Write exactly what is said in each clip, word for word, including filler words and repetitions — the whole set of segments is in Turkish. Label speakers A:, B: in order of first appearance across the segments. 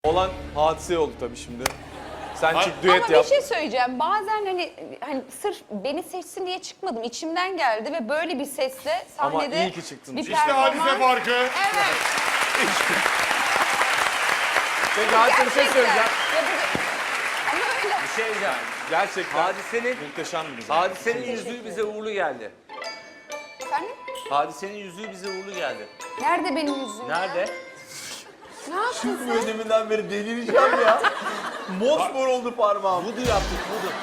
A: Olan hadise oldu tabii şimdi. Sen
B: Ha-
A: çık düet
C: Ama
A: yap.
C: bir şey söyleyeceğim. Bazen hani hani sırf beni seçsin diye çıkmadım. İçimden geldi ve böyle bir sesle
A: Ama
C: sahnede
A: iyi ki çıktın.
C: bir
A: İşte
B: İşte hadise
C: performans.
B: farkı.
C: Evet.
A: Peki hadise bir şey
C: Gerçekten.
A: söyleyeceğim.
C: Ya bu- Ama öyle.
D: Bir şey diyeceğim.
A: Gerçekten
D: Hadisenin,
A: muhteşem bir güzel.
D: hadisenin yüzüğü bize uğurlu geldi.
C: Efendim?
D: Hadisenin yüzüğü bize uğurlu geldi.
C: Nerede benim yüzüğüm?
D: Nerede?
C: Ne yaptın sen?
E: Bu deminden beri delireceğim ya. Mosmor oldu parmağım.
D: Vudu yaptık, vudu.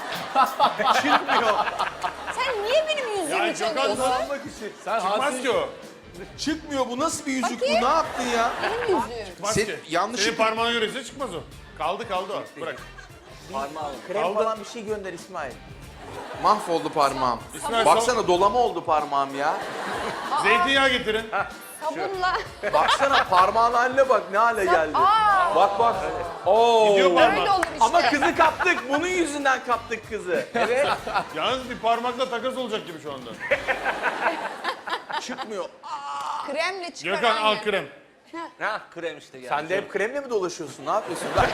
C: Sen niye benim yüzüğümü
B: Ya Gökhan
C: çalıyorsun?
E: Kazanmak için.
A: Sen
B: Çıkmaz
A: hadise
B: ki o.
E: Çıkmıyor bu, nasıl bir yüzük
C: Bakayım.
E: bu, ne yaptın ya?
C: Benim yüzüğüm.
B: Çıkmaz
E: Sen-
B: ki.
E: yanlışlıkla-
B: Senin parmağına göre çıkmaz o. Kaldı kaldı o. Bırak.
D: Parmağı alın.
E: Krem
B: Aldı.
E: falan bir şey gönder İsmail. Mahvoldu parmağım.
B: İsmail,
E: Baksana dolama oldu parmağım ya.
B: Zeytinyağı getirin.
C: Sabunla.
E: Baksana parmağın haline bak, ne hale geldi.
C: Aa,
E: Bak bak. Oo.
B: Gidiyor
C: öyle
B: parmak.
C: olur işte.
E: Ama kızı kaptık. Bunun yüzünden kaptık kızı. Evet.
B: Yalnız bir parmakla takas olacak gibi şu anda.
E: Çıkmıyor.
C: Kremle çıkar
B: Gökhan al
C: aynen.
B: krem.
D: Ha, krem işte geldi.
E: Sen de hep kremle mi dolaşıyorsun? Ne yapıyorsun? Bak.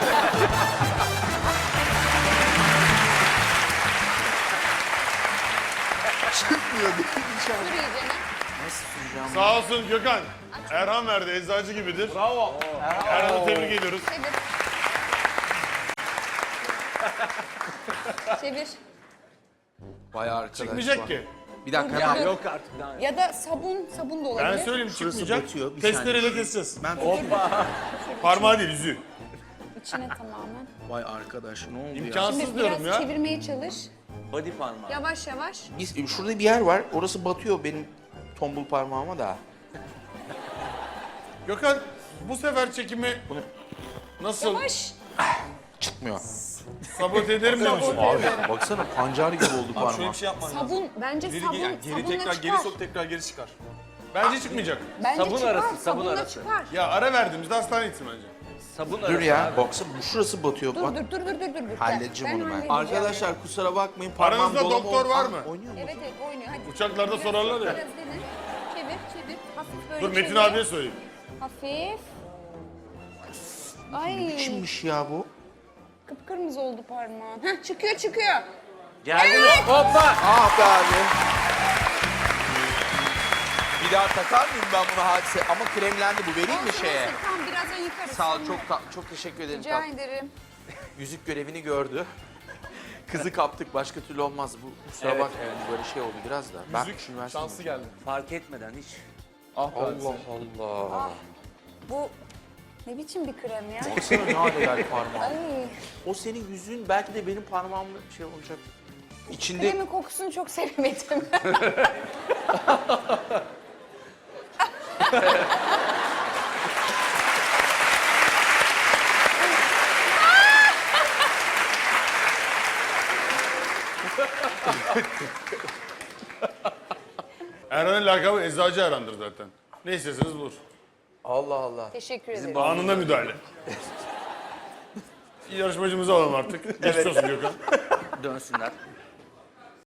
E: Çıkmıyor değil
C: Sür iyicene.
E: Nasıl süreceğim?
B: Sağ olsun Gökhan. Erhan verdi, eczacı gibidir.
E: Bravo.
B: Erhan'ı tebrik ediyoruz.
C: Çevir. Çevir.
E: Vay arkadaş.
B: Çıkmayacak
E: bak.
B: ki.
E: Bir dakika
C: Ya,
E: hemen.
D: Yok artık daha.
C: Ya da sabun, sabun da olabilir.
B: Ben söyleyeyim
E: Şurası
B: çıkmayacak.
E: batıyor, bir
B: Testereyle keseceğiz.
E: Ben
B: Parmağı değil, yüzüğü.
C: İçine tamamen.
E: Vay arkadaş ne oldu ya?
B: İmkansız
C: Şimdi
B: diyorum
C: biraz
B: ya.
C: çevirmeye çalış.
D: Body parmağı.
C: Yavaş yavaş.
E: Biz, şurada bir yer var. Orası batıyor benim tombul parmağıma da.
B: Gökhan bu sefer çekimi nasıl
C: Yavaş.
E: Çıkmıyor.
B: sabote ederim diyor musun?
E: Abi baksana pancar gibi oldu
A: Abi şöyle
E: parmağım.
A: bir şey yapman lazım.
C: Sabun. Bence
A: Geri,
C: sabun.
A: yani geri
C: sabunla
A: tekrar
C: çıkar.
A: geri sok tekrar geri çıkar.
B: Bence çıkmayacak.
C: Bence
D: Sabun
C: çıkar.
D: arası, sabun
C: sabunla
D: arası.
C: çıkar.
B: Ya ara verdiğimizde hastaneye gitsin bence.
D: Sabun
E: Dur
D: arası
E: ya
D: abi.
E: baksana bu şurası batıyor.
C: Dur
E: Bak.
C: dur dur dur dur dur. dur.
E: Halledeceğim onu ben.
C: halledeceğim.
E: Arkadaşlar kusura bakmayın parmağım
B: Aranızda
E: dolama
B: doktor
E: oldu.
B: var
E: Ah,
B: mı?
E: Oynuyor mu?
C: Evet evet oynuyor. Hadi.
B: Uçaklarda
C: Biraz-
B: sorarlar ya.
C: Biraz dene. Çevir çevir. Hafif böyle
B: Dur Metin
C: çevir.
B: abiye söyleyeyim.
C: Hafif. Ay.
E: Kimmiş ya bu?
C: Kıpkırmızı oldu parmağın. Heh, çıkıyor çıkıyor.
D: Geldi mi?
E: Hoppa! Ah be abi. Bir daha takar mıyım ben bunu hadise? Ama kremlendi bu, vereyim mi
C: Olsun,
E: şeye?
C: olsun. Tamam birazdan yıkarız.
E: Sağ ol,
C: Sonra.
E: çok ta- çok teşekkür ederim.
C: Rica
E: tat-
C: ederim.
E: Yüzük görevini gördü. Kızı kaptık, başka türlü olmaz. Bu kusura
D: Evet,
E: bakmayın, böyle şey oldu biraz da. Ben
A: Yüzük
E: şunu versene.
A: şansı geldi.
D: Fark etmeden hiç.
A: Ah be hadise.
E: Allah Allah.
C: Bu ne biçim bir krem ya?
E: Baksana ne hale geldi parmağım.
C: Ay.
E: O senin yüzüğün belki de benim parmağımla şey olacak. İçinde
C: Kremin kokusunu çok sevemedim.
B: Erhan'ın lakabı eczacı Erhan'dır zaten. Ne isteseniz bulur.
E: Allah Allah.
C: Teşekkür ederim.
B: Anında müdahale. Yarışmacımızı alalım artık. Geçmiş olsun Gökhan.
D: Dönsünler.